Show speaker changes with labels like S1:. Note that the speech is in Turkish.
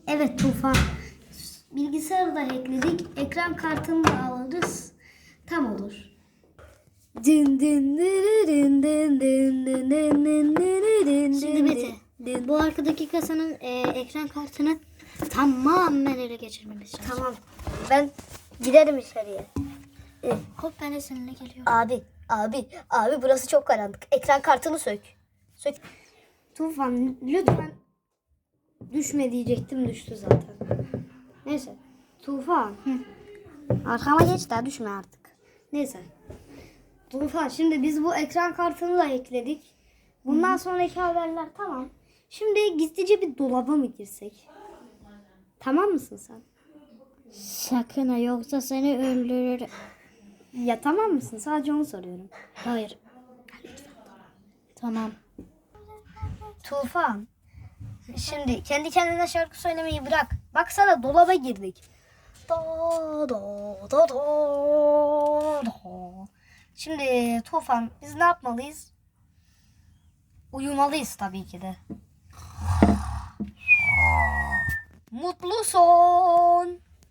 S1: Evet Tufan. Bilgisayarı da hackledik. Ekran kartını da alırız. Tam olur. Şimdi Mete, bu arkadaki kasanın ekran kartını tamamen ele geçirmemiz lazım.
S2: Tamam. Ben giderim içeriye.
S1: Hop ben de seninle geliyorum.
S2: Abi burası çok karanlık. Ekran kartını sök. Sök.
S1: Tufan lütfen düşme diyecektim, düştü zaten. Neyse. Tufan. Arkama geç daha düşme artık. Neyse. Tufan şimdi biz bu ekran kartını da ekledik. Bundan sonraki haberler tamam. Şimdi gizlice bir dolaba mı girsek? Tamam mısın sen?
S2: Sakın ha, yoksa seni öldürür.
S1: Ya tamam mısın? Sadece onu soruyorum.
S2: Hayır. Tamam.
S1: Tufan. Şimdi kendi kendine şarkı söylemeyi bırak. Baksana dolaba girdik. Do do do do do. Şimdi Tufan biz ne yapmalıyız? Uyumalıyız tabii ki de. Mutlu son.